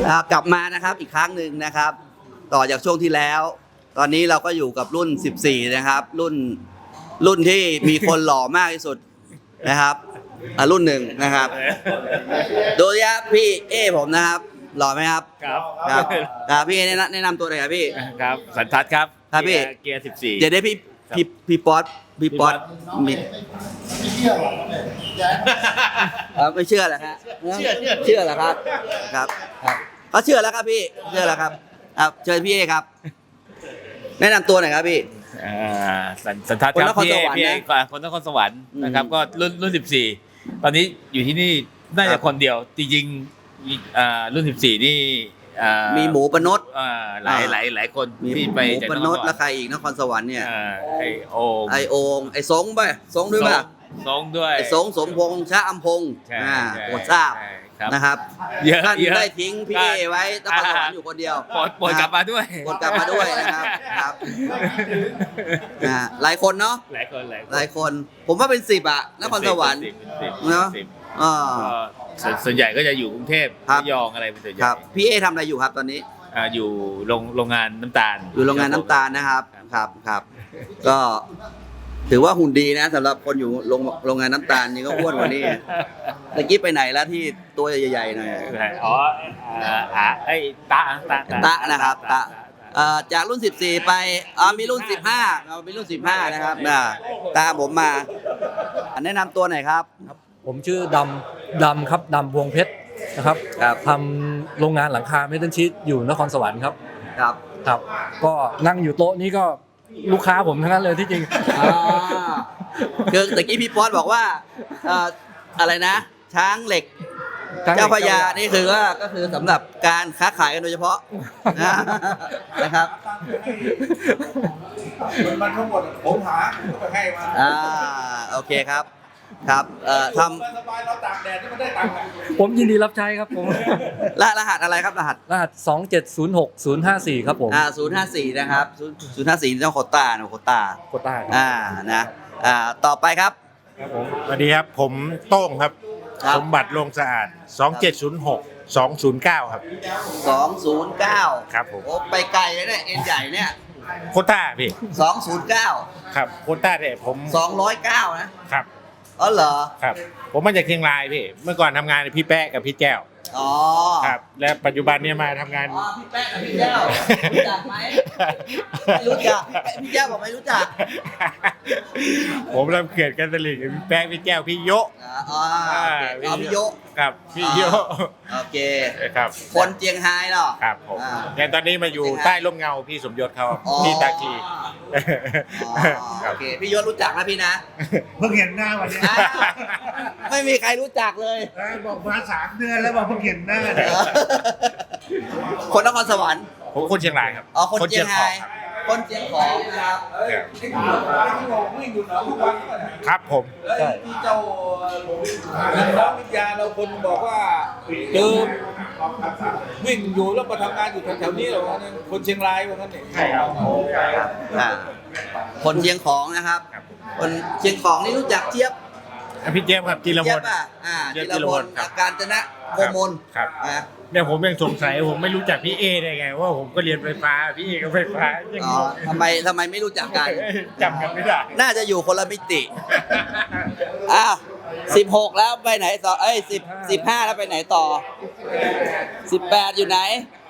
กลับมานะครับอีกครั้งหนึ่งนะครับ ต่อจากช่วงที่แล้ว ตอนนี้เราก็อยู่กับรุ่น 14 นะครับ รุ่นที่มีคนหล่อมากที่สุดนะครับรุ่นหนึ่งนะครับโดยพี่เอผมนะครับหล่อไหมครับครับพี่แนะนำตัวหน่อยครับพี่ครับสันทัศน์ครับครับพี่เกียร์14 เดี๋ยวได้พี่ป๊อตมีไม่เชื่อเหรอครับเชื่อเหรอครับครับเขาเชื่อแล้วครับพี่เชื่อแล้วครับเชิญพี่เอครับแนะนำตัวหน่อยครับพี่สันทัศน์ครับพี่เอคนนครสวรรค์นะครับก็รุ่น14ตอนนี้อยู่ที่นี่น่าจะคนเดียวจริงๆรุ่น14นี่มีหมูปนดหลายคนที่ไปจากนครสวรรค์แล้วใครอีกนครสวรรค์เนี่ยไอโองไอสงไปสงด้วยป่ะสงด้วยไอสงสมพงษ์ชะอำพงษ์โปรดทราบนะครับท่านได้ทิ้งพี่เอไว้นครสวรรค์อยู่คนเดียวปวดกลับมาด้วยนะครับหลายคนเนาะหลายคนผมว่าเป็น10อ่ะนครสวรรค์เนาะส่วนใหญ่ก็จะอยู่กรุงเทพระยองอะไรเป็นส่วนใหญ่พี่เอทำอะไรอยู่ครับตอนนี้อยู่โรงงานน้ำตาลอยู่โรงงานน้ำตาลนะครับครับก็ถือว่าหุ่นดีนะสำหรับคนอยู่โรงงานน้ำตาลนี่ก็อ้วนกว่านี้ตะกี้ไปไหนแล้วที่ตัวใหญ่ๆหน่อยไอ้ตะนะครับตะจากรุ่น14ไปมีรุ่น15มีรุ่น15นะครับตามผมมาแนะนำตัวหน่อยครับผมชื่อดำครับดำพวงเพชรนะครับทำโรงงานหลังคาเมทัลชีทอยู่นครสวรรค์ครับก็นั่งอยู่โต๊ะนี้ก็ลูกค้าผมทั้งนั้นเลยที่จริงคือตะกี้พี่ป๊อตบอกว่าอะไรนะช้างเหล็กเจ้าพญานี่คือว่าก็คือสำหรับการค้าขายกันโดยเฉพาะนะครับมันทั้งหมดผมหาไปให้มาโอเคครับทำสบายเราตากแดดที่มันได้ตังค์ผมยินดีรับใช้ครับผมรหัสอะไรครับรหัส 2706054ครับผม 054นะครับ054ต้องโคต้านะต่อไปครับสวัสดีครับผมโต้งครับสมบัติโรงสะอาด2706209ครับ 209 ครับผมไปไกลเลยเนี่ยเอ็นใหญ่เนี่ยโคต้าพี่ 209 ครับโคต้าเนี่ยผม 209นะครับเหรอครับผมมาจากเชียงรายพี่เมื่อก่อนทำงานกับพี่แป๊ะกับพี่แก้วครับและปัจจุบันเนี่ยมาทำงานพี่แป๊ะกับพี่แก้วรู้จักไหมไม่รู้จักพี่แก้วบอกไม่รู้จักผมทำเขื่อนกันตลิ่งกับพี่แป๊ะพี่แก้วพี่โยพี่โยครับพี่โยโอเคครับคนเจียงไฮ้เนาะครับผมแต่ตอนนี้มาอยู่ใต้ร่มเงาพี่สมยศเขาที่ตาคีโอเคพี่ยศรู้จักนะพี่นะเพิ่งเห็นหน้าวันนี้ไม่มีใครรู้จักเลยบอกมา3 เดือนแล้วบอกเพิ่งเห็นหน้าคนนครสวรรค์ผมคนเชียงรายครับคนเชียงรายคนเชียงของนะครับครับผมที่เจ้าน้องวิทยาเราคนบอกว่าเจอวิ่งอยู่แล้วมาทำงานอยู่แถวๆนี้เหรอคนเชียงรายว่างั้นเองใช่ครับคนเชียงของนะครับคนเชียงของนี่รู้จักเจี๊ยบพี่เจี๊ยบครับจิรพลจิรพลการจนะโกมลครับเนี่ยผมยังสงสัยผมไม่รู้จักพี่เอได้ไงว่าผมก็เรียนไฟฟ้าพี่เอก็ไฟฟ้าทำไมไม่รู้จักกันจำกันไม่ได้น่าจะอยู่คนละมิติ16แล้วไปไหนต่อ15แล้วไปไหนต่อ18อยู่ไหน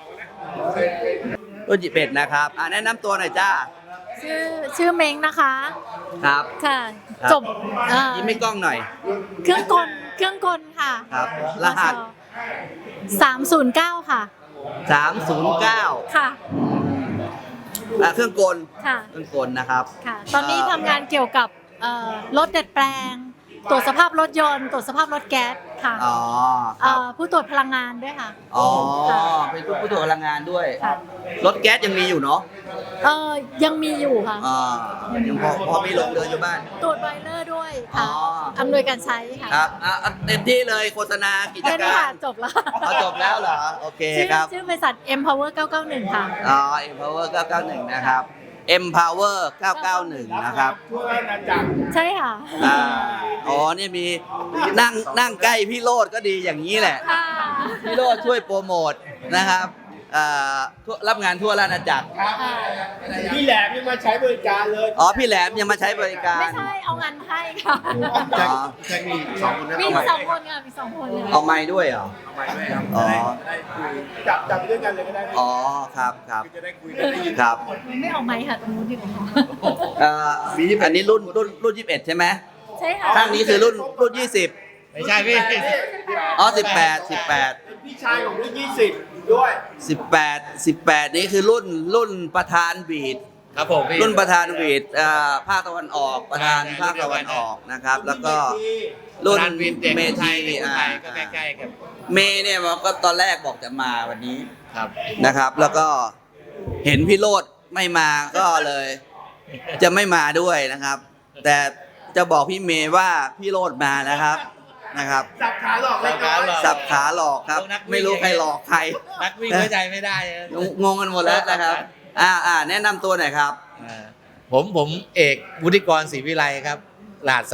รุ่น11นะครับแนะนำตัวหน่อยจ้าชื่อเม้งนะคะครับค่ะจบยิ้มให้กล้องหน่อยเครื่องกลค่ะครับรหัส 309ค่ะ 309 ค่ะเครื่องกลค่ะเครื่องกลนะครับค่ะตอนนี้ทำงานเกี่ยวกับรถดัดแปลงตรวจสภาพรถยนต์ตรวจสภาพรถแก๊สค่ะผู้ตรวจพลังงานด้วยค่ะเป็นผู้ตรวจพลังงานด้วยรถแก๊สยังมีอยู่เนาะยังมีอยู่ค่ะยังพอมีลงเรืออยู่บ้านตรวจไบเลอร์ด้วยค่ะอำนวยการใช้ค่ะครับเต็มที่เลยโฆษณากิจการจบแล้วจบแล้วเหรอโอเคครับชื่อบริษัท Empower 991ค่ะ Empower 991นะครับ Empower 991นะครับใช่ค่ะนี่มีนั่งใกล้พี่โรดก็ดีอย่างนี้แหละพี่โรดช่วยโปรโมทนะครับรับงานทั่วราชอาณาจักรพี่แหลมยังมาใช้บริการเลยอ๋อพี่แหลมยังมาใช้บริการไม่ใช่เอางานให้ค่ะอ๋อแจ็คมีสองคนนะมีสองคนค่ะมีสองคนเลยเอาไม้ด้วยเหรอเอาไม้ด้วยครับอ๋อจับไปด้วยกันเลยก็ได้อ๋อครับครับจะได้คุยกันได้ยินครับไม่เอาไม้ค่ะตรงนู้นดีกว่าอันนี้รุ่น21ใช่ไหมใช่ค่ะข้างนี้คือรุ่น20 ไม่ใช่พี่อ๋อ18 พี่ชายของรุ่น20 ด้วย 18นี่คือรุ่นประธานบีดครับผมพี่รุ่นประธานบีดภาคตะวันออกประธานภาคตะวันออกนะครับ แล้วก็รุ่นเมทีก็ใกล้ๆกันเมเนี่ยมันก็ตอนแรกบอกจะมาวันนี้ครับนะครับ แล้วก็เห็นพี่โรดไม่มาก็เลย จะไม่มาด้วยนะครับ แต่จะบอกพี่เมย์ว่าพี่โรดมานะครับสับขาหลอกเลยก่อนสับขาหลอกครับ ไม่รู้ใครหลอกใครนักวิ่งเข้าใจไม่ได้งงกันหมดแล้วนะครับแนะนำตัวหน่อยครับผมเอกวุฒิกรศรีวิไลครับรหัส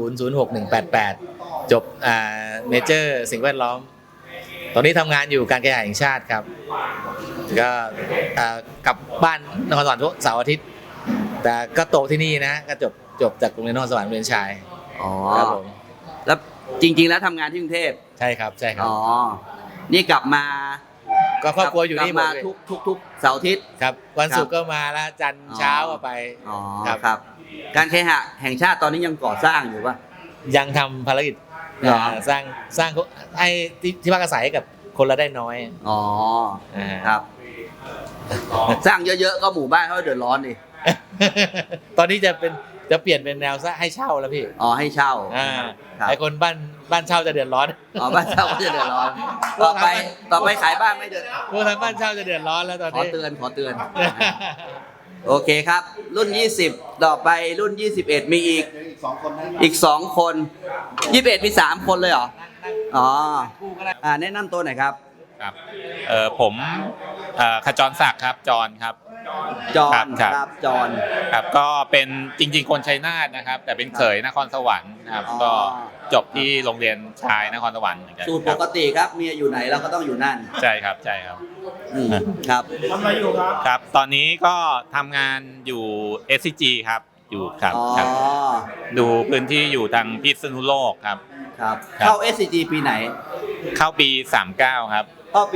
3006-188 จบเมเจอร์สิ่งแวดล้อม ตอนนี้ทำงานอยู่การแข่งขันแห่งชาติครับ ก็กลับบ้านนครสวรรค์ทุกเสาร์อาทิตย์ แต่ก็โตที่นี่นะก็จบจากโรงเรียนนครสวรรค์เรียนชายอ๋อครับผมแล้วจริง ๆ แล้วทำงานที่กรุงเทพใช่ครับใช่ครับอ๋อ นี่กลับมาก็ครอบครัวอยู่นี่กหมลัดบเลยมาทุกเสาร์อาทิตย์ครับวันศุกร์ก็มาแล้วจันทร์เช้าก็ไปอ๋อครับครับ การเคหะแห่งชาติตอนนี้ยังก่อสร้างอยู่ป่ะยังทำภารกิจเหรอสร้างให้ที่พักอาศัยให้กับคนละได้น้อยอ๋ออ่าครับ สร้างเยอะๆก็หมู่บ้านเขาเดือดร้อนดิตอนนี้จะเปลี่ยนเป็นแนวให้เช่าแล้วพี่อ๋อให้เช่า ครับไอคนบ้านเช่าจะเดือดร้อนอ๋อบ้านเช่าก็จะเดือดร้อน ต่อไปขายบ้านไม่เดือดพวกทางบ้านเช่าจะเดือดร้อนแล้วตอนขอนี้เตือน โอเคครับ รุ่น 20 ต่อไปรุ่น 21 มีอีก 2 คน 21 มี 3 คนเลยเหรอ อ๋อแนะนำตัวหน่อยครับครับผมขจรศักดิ์ครับจรครับจอครันบครับครับจอนครับก็เป็นจริงๆคนชัยนาทนะครับ แต่เป็นเขยนครสวรรค์นะครับอ๋อก็จบที่โรงเรียนชายนครสวรรค์เหมือนกันสูตรคปรับกติครับเมียอยู่ไหนเราก็ต้องอยู่นั่นใช่ครับใช่ครับครับทำอะไรอยู่ครับครับ ตอนนี้ก็ทำงานอยู่ SCG ครับอยู่ครับอ๋อครับ ดูพื้นที่อยู่ทางพิษณุโลกครับครับครับเข้า SCG ปีไหนเข้าปี 39 ครับเข้าปี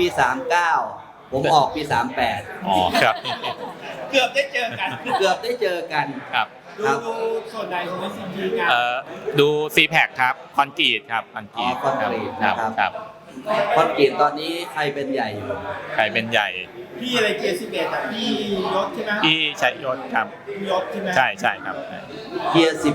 39 ผมออกปี 38 อ๋อครับเกือบได้เจอกันเกือบได้เจอกันครับครับดูส่วนใดของ SCG งานดู CPAC ครับคอนกรีตครับคอนกรีตคอนกรีตครับนะครับครับคอนกรีตตอนนี้ใครเป็นใหญ่อยู่ใครเป็นใหญ่พี่อะไรเกียร์11อ่ะพี่ยศใช่ไหมที่ชัยยศครับพี่ยศใช่ไหมใช่ใช่ครับเกียร์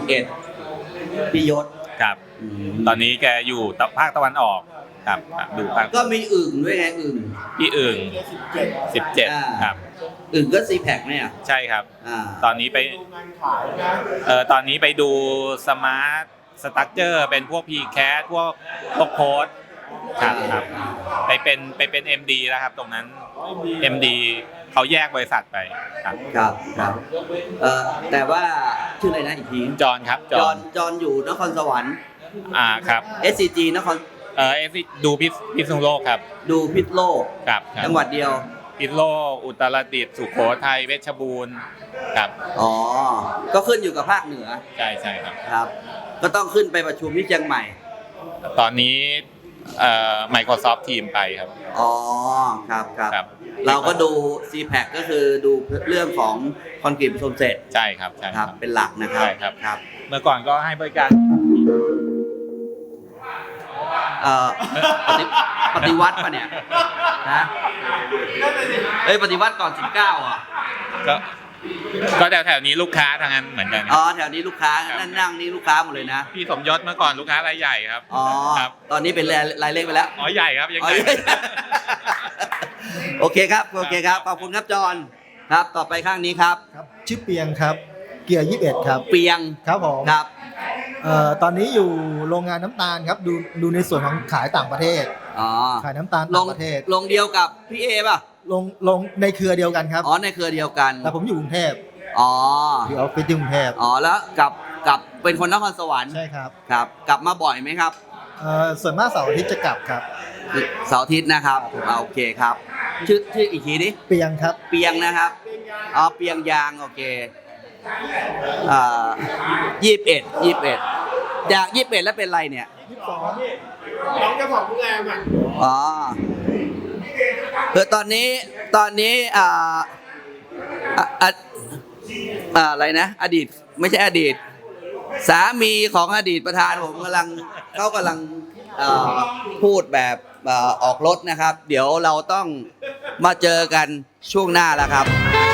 11พี่ยศครับ ตอนนี้แกอยู่ภาคตะวันออกครับครับดูภาคก็มีอึ่งด้วยไงอึ่งพี่อึ่งเกียร์17 17 ครับอึ่งก็ซีแพคเนี่ยใช่ครับ ตอนนี้ไปดูงานขายนะตอนนี้ไปดูสมาร์ทสตั๊กเจอร์เป็นพวก PCAT พวกโค้ดครับครับไปเป็น MD แล้วครับตรงนั้น MD เขาแยกบริษัทไปครับครับแต่ว่าชื่ออะไรนะอีกทีจอห์นครับจอห์นจอนอยู่นครสวรรค์ครับ SCG นครดูพิษณุโลกครับดูพิษโลกครับครับจังหวัดเดียวพิษณุโลกอุตรดิตถ์สุโขทัยเพชรบูรณ์ครับอ๋อ ก็ขึ้นอยู่กับภาคเหนือใช่ใช่ครับครับ ก็ต้องขึ้นไปประชุมที่เชียงใหม่ตอนนี้Microsoft Team ไปครับอ๋อ ครับครับเราก็ดู CPAC ก็คือดูเรื่องของคอนกรีตผสมเสร็จใช่ครับใช่คครัรับบ เป็นหลักนะครับใช่ครับครับเมื่อก่อนก็ให้บริการปฏิวัติป่ะเนี่ยนะเอ้ยปฏิวัติก่อน 19อ่ะก็แถวๆนี้ลูกค้าทางนั้นเหมือนกันอ๋อแถวนี้ลูกค้านั่งนี่ลูกค้าหมดเลยนะพี่สมยศเมื่อก่อนลูกค้ารายใหญ่ครับอ๋อครับตอนนี้เป็นรายเล็กไปแล้วอ๋อใหญ่ครับยังอ๋อใหญ่โอเคครับขอบคุณครับจอห์นครับต่อไปข้างนี้ครับครับชื่อเปียงครับเกียร์21ครับเปียงครับผมครับตอนนี้อยู่โรงงานน้ำตาลครับดูในส่วนของขายต่างประเทศอ๋อขายน้ำตาลลต่าง งประเทศลงเดียวกับพี่เอป่ะลงในเครือเดียวกันครับอ๋อในเครือเดียวกันแต่ผมอยู่กรุงเทพอ๋ออยู่ออฟฟิศที่กรุงเทพอ๋อแล้วกับเป็นคนนครสวรรค์ใช่ครับครับ กลับมาบ่อยไหมครับส่วนมากเสาร์อาทิตย์จะกลับครับเสาร์อาทิตย์นะครับโอเคครับชื่ออีกทีดิเปียงครับเปียงนะครับเปียงยางโอเค21จาก21แล้วเป็นไรเนี่ยน้องเจ้าของโรงแรมอ๋อคือตอนนี้อะไรนะอดีตไม่ใช่อดีต สามีของอดีตประธานผมเขากำลังพูดแบบออกรถนะครับ เดี๋ยวเราต้องมาเจอกันช่วงหน้าแล้วครับ